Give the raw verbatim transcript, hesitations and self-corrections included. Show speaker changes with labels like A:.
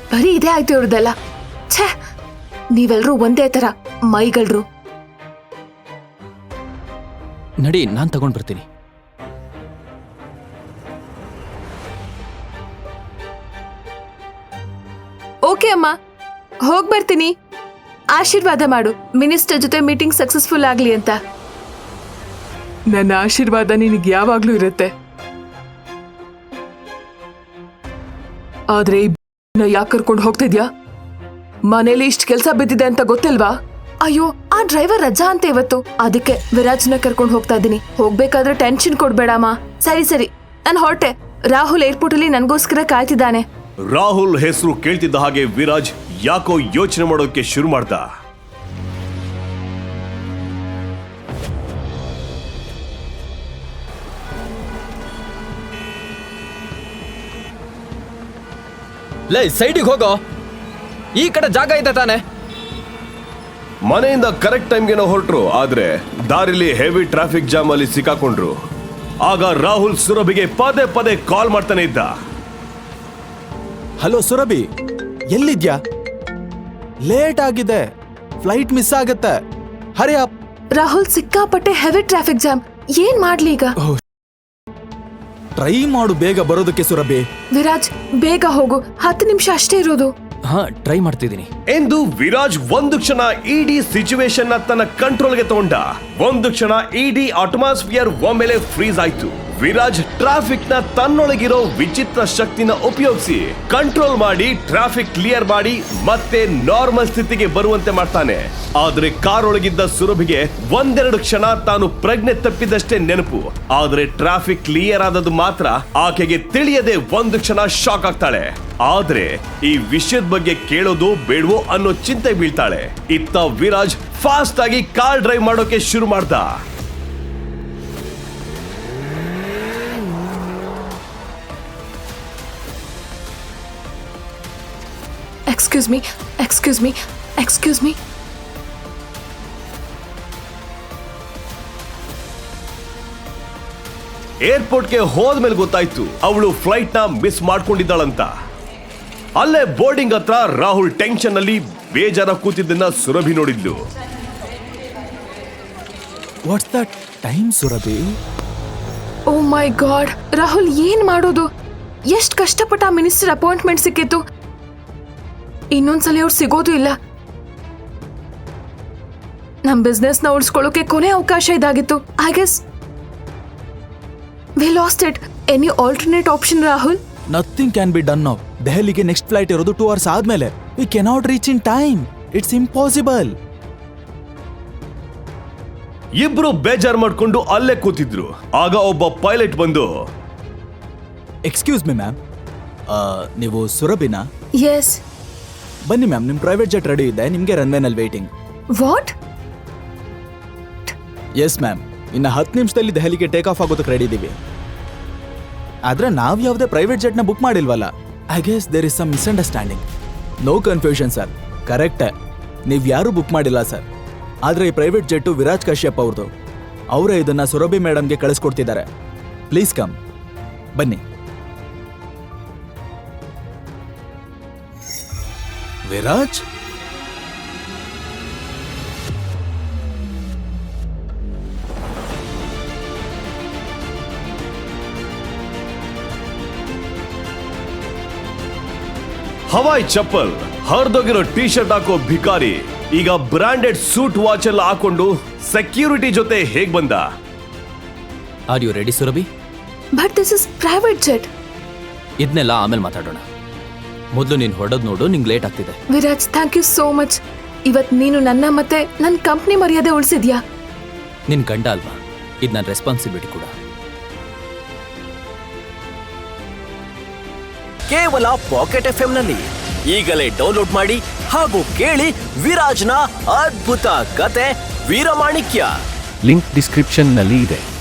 A: ಬರೀ ಇದೇ ಆಯ್ತು ಇವ್ರದೆಲ್ಲ. ಛೇ, ನೀವೆಲ್ರೂ ಒಂದೇ ತರ ಮೈಗಳ್ರು.
B: ನಡಿ, ನಾನ್ ತಗೊಂಡ್ ಬರ್ತೀನಿ.
A: ಓಕೆ ಅಮ್ಮ, ಹೋಗ್ ಬರ್ತೀನಿ. ಆಶೀರ್ವಾದ ಮಾಡು, ಮಿನಿಸ್ಟರ್ ಜೊತೆ ಮೀಟಿಂಗ್ ಸಕ್ಸಸ್ಫುಲ್ ಆಗ್ಲಿ ಅಂತ.
C: ನನ್ನ ಆಶೀರ್ವಾದ ನಿನಗೆ ಯಾವಾಗ್ಲೂ ಇರುತ್ತೆ. ಆದ್ರೆ ಯಾಕೆ ಕರ್ಕೊಂಡು ಹೋಗ್ತಿದ್ಯಾ? ಮನೇಲಿ ಇಷ್ಟ ಕೆಲ್ಸ ಬಿದ್ದಿದೆ ಅಂತ ಗೊತ್ತಿಲ್ವಾ?
A: ಅಯ್ಯೋ, ಆ ಡ್ರೈವರ್ ರಜಾ ಅಂತ ಇವತ್ತು, ಅದಕ್ಕೆ ವಿರಾಜ್ನ ಕರ್ಕೊಂಡು ಹೋಗ್ತಾ ಇದ್ದೀನಿ. ಹೋಗ್ಬೇಕಾದ್ರೆ ಟೆನ್ಷನ್ ಕೊಡ್ಬೇಡಮ್ಮ. ಸರಿ ಸರಿ, ನಾನು ಹೊರಟೆ. ರಾಹುಲ್ ಏರ್ಪೋರ್ಟ್ ಅಲ್ಲಿ ನನ್ಗೋಸ್ಕರ ಕಾಯ್ತಿದ್ದಾನೆ.
D: ರಾಹುಲ್ ಹೆಸರು ಕೇಳ್ತಿದ್ದ ಹಾಗೆ ವಿರಾಜ್ ಯಾಕೋ ಯೋಚನೆ ಮಾಡೋಕೆ ಶುರು ಮಾಡ್ದ.
B: ಲೇ, ಸೈಡಿಗೆ ಹೋಗೋ, ಈ ಕಡೆ ಜಾಗ ಇದೆ ತಾನೆ.
D: ಮನೆಯಿಂದ ಕರೆಕ್ಟ್ ಟೈಮ್ಗೆ ಹೊರಟ್ರು, ಆದ್ರೆ ದಾರಿಲಿ ಹೆವಿ ಟ್ರಾಫಿಕ್ ಜಾಮ್ ಅಲ್ಲಿ ಸಿಕ್ಕಾಕೊಂಡ್ರು. ಆಗ ರಾಹುಲ್ ಸುರಭಿಗೆ ಪದೇ ಪದೇ ಕಾಲ್ ಮಾಡ್ತಾನೆ ಇದ್ದ.
E: ಹಲೋ ಸುರಭಿ, ಎಲ್ಲಿದ್ಯಾ? ಲೇಟ್ ಆಗಿದೆ, ಫ್ಲೈಟ್ ಮಿಸ್ ಆಗತ್ತೆ. Hurry up.
A: ರಾಹುಲ್, ಸಿಕ್ಕಾಪಟ್ಟೆ ಹೆವಿ ಟ್ರಾಫಿಕ್ ಜಾಮ್. ಏನ್ ಮಾಡ್ಲಿ ಈಗ?
E: ಟ್ರೈ ಮಾಡು ಬೇಗ ಬರೋದಕ್ಕೆ ಸುರಭಿ.
A: ವಿರಾಜ್, ಬೇಗ ಹೋಗು, ಹತ್ತು ನಿಮಿಷ ಅಷ್ಟೇ ಇರೋದು.
B: ಹಾ, ಟ್ರೈ ಮಾಡ್ತಿದ್ದೀನಿ
D: ಎಂದು ವಿರಾಜ್ ಒಂದು ಕ್ಷಣ ಇಡೀ ಸಿಚುವೇಶನ್ ನ ತನ್ನ ಕಂಟ್ರೋಲ್ಗೆ ತಗೊಂಡ. ಒಂದು ಕ್ಷಣ ಇಡೀ ಅಟ್ಮಾಸ್ಫಿಯರ್ ಒಮ್ಮೆಲೆ ಫ್ರೀಸ್ ಆಯ್ತು. ವಿರಾಜ್ ಟ್ರಾಫಿಕ್ ನ ತನ್ನೊಳಗಿರೋ ವಿಚಿತ್ರ ಶಕ್ತಿನ ಉಪಯೋಗಿಸಿ ಕಂಟ್ರೋಲ್ ಮಾಡಿ ಟ್ರಾಫಿಕ್ ಕ್ಲಿಯರ್ ಮಾಡಿ ಮತ್ತೆ ನಾರ್ಮಲ್ ಸ್ಥಿತಿಗೆ ಬರುವಂತೆ ಮಾಡ್ತಾನೆ. ಆದ್ರೆ ಕಾರ್ ಒಳಗಿದ್ದ ಸುರಭಿಗೆ ಒಂದೆರಡು ಕ್ಷಣ ತಾನು ಪ್ರಜ್ಞೆ ತಪ್ಪಿದಷ್ಟೇ ನೆನಪು. ಆದ್ರೆ ಟ್ರಾಫಿಕ್ ಕ್ಲಿಯರ್ ಆದದ್ದು ಮಾತ್ರ ಆಕೆಗೆ ತಿಳಿಯದೆ ಒಂದು ಕ್ಷಣ ಶಾಕ್ ಆಗ್ತಾಳೆ. ಆದ್ರೆ ಈ ವಿಷಯದ ಬಗ್ಗೆ ಕೇಳೋದು ಬೇಡವೋ ಅನ್ನೋ ಚಿಂತೆ ಬೀಳ್ತಾಳೆ. ಇತ್ತ ವಿರಾಜ್ ಫಾಸ್ಟ್ ಆಗಿ ಕಾರ್ ಡ್ರೈವ್ ಮಾಡೋಕೆ ಶುರು ಮಾಡ್ದ.
A: Excuse me, excuse me, excuse me.
D: ಏರ್ಪೋರ್ಟ್ಗೆ ಹೋದ್ಮೇಲೆ ಗೊತ್ತಾಯ್ತು ಅವಳು ಫ್ಲೈಟ್ ನ ಮಿಸ್ ಮಾಡ್ಕೊಂಡಿದ್ದಾಳಂತ. ಅಲ್ಲೇ ಬೋರ್ಡಿಂಗ್ ಹತ್ರ ರಾಹುಲ್ ಟೆನ್ಷನ್ ಅಲ್ಲಿ ಬೇಜಾರ ಕೂತಿದ್ದನ್ನ ಸುರಭಿ ನೋಡಿದ್ಲು.
E: What's that time Surabhi?
A: Oh my God, Rahul ಏನ್ ಮಾಡೋದು? ಎಷ್ಟ್ ಕಷ್ಟಪಟ್ಟ ಮಿನಿಸ್ಟರ್ ಅಪಾಯಿಂಟ್ಮೆಂಟ್ ಸಿಕ್ಕಿತ್ತು. ಇನ್ನೊಂದ್ಸಲ ಅವ್ರು ಸಿಗೋದು ಇಲ್ಲ. ನಮ್ ಬಿಸ್ನೆಸ್ ನ ಉಳಿಸ್ಕೊಳ್ಳೋಕೆ ಕೊನೆ ಅವಕಾಶ ಇದಾಗಿತ್ತು. I guess we lost it. Any alternate option Rahul?
E: Nothing can be done now. ದೆಹಲಿಗೆ ನೆಕ್ಸ್ಟ್ ಫ್ಲೈಟ್ ಇರೋದು ಟೂ ಅವರ್ಸ್ ಆದ್ಮೇಲೆ. We cannot reach in time. It's impossible.
D: ಇಬ್ರು ಬೇಜಾರ್ ಮಾಡ್ಕೊಂಡು ಅಲ್ಲೇ ಕೂತಿದ್ರು. ಆಗ ಒಬ್ಬ ಪೈಲಟ್ ಬಂದು,
E: ಎಕ್ಸ್ಕ್ಯೂಸ್ ಮಿ ಮ್ಯಾಮ್, ನೀವು ಸುರಭಿನಾ?
A: ಎಸ್.
E: ಬನ್ನಿ ಮ್ಯಾಮ್, ನಿಮ್ ಪ್ರೈವೇಟ್ ಜೆಟ್ ರೆಡಿ ಇದೆ, ನಿಮ್ಗೆ ರನ್ವೇನಲ್ಲಿ ವೇಟಿಂಗ್.
A: ವಾಟ್?
E: ಎಸ್ ಮ್ಯಾಮ್, ಇನ್ನು ಹತ್ತು ನಿಮಿಷದಲ್ಲಿ ದೆಹಲಿಗೆ ಟೇಕ್ ಆಫ್ ಆಗೋದಕ್ಕೆ ರೆಡಿ ಇದೀವಿ. ಆದ್ರೆ ನಾವ್ ಯಾವುದೇ ಪ್ರೈವೇಟ್ ಜೆಟ್ ನ ಬುಕ್ ಮಾಡಿಲ್ವಲ್ಲ. I guess there is some misunderstanding. No confusion sir, correct. ನೀವ್ ಯಾರು ಬುಕ್ ಮಾಡಿಲ್ಲ ಸರ್. ಆದ್ರೆ ಈ ಪ್ರೈವೇಟ್ ಜೆಟ್ಟು ವಿರಾಜ್ ಕಶ್ಯಪ್ ಅವ್ರದ್ದು. ಅವರೇ ಇದನ್ನ ಸುರಭಿ ಮೇಡಮ್ಗೆ ಕಳಿಸ್ಕೊಡ್ತಿದ್ದಾರೆ. ಪ್ಲೀಸ್ ಕಮ್, ಬನ್ನಿ. ವಿರಾಜ್,
D: ಹವಾಯ್ ಚಪ್ಪಲ್, ಹರಿದೋಗಿರೋ ಟಿ ಶರ್ಟ್ ಹಾಕೋ ಭಿಕಾರಿ ಈಗ ಬ್ರಾಂಡೆಡ್ ಸೂಟ್ ವಾಚ್ ಎಲ್ಲ ಹಾಕೊಂಡು ಸೆಕ್ಯೂರಿಟಿ ಜೊತೆ ಹೇಗ್ ಬಂದ?
B: Are you ready Surabhi?
A: But this is private jet.
B: ಇದನ್ನೆಲ್ಲ ಆಮೇಲೆ ಮಾತಾಡೋಣ. ಮೊದಲು ನೀನು ಹೊಡೆದ್ ನೋಡು, ನಿಂಗೆ ಲೇಟ್ ಆಗ್ತಿದೆ.
A: Viraj, thank you so much. ಇವತ್ ನೀನು ನನ್ನ ಮತ್ತೆ ನನ್ನ ಕಂಪ್ನಿ ಮರ್ಯಾದೆ ಉಳಿಸಿದ್ಯಾ.
B: ನಿನ್ ಗಂಡ ಅಲ್ವಾ, ಇದು ನನ್ನ ರೆಸ್ಪಾನ್ಸಿಬಿಲಿಟಿ ಕೂಡ.
F: ಕೇವಲ ಪಾಕೆಟ್ ಎಫ್ ಎಂ ನಲ್ಲಿ ಈಗಲೇ ಡೌನ್ಲೋಡ್ ಮಾಡಿ ಹಾಗೂ ಕೇಳಿ ವಿರಾಜ್ನ ಅದ್ಭುತ ಕತೆ ವೀರಮಾಣಿಕ್ಯ.
G: ಲಿಂಕ್ ಡಿಸ್ಕ್ರಿಪ್ಷನ್ ನಲ್ಲಿ ಇದೆ.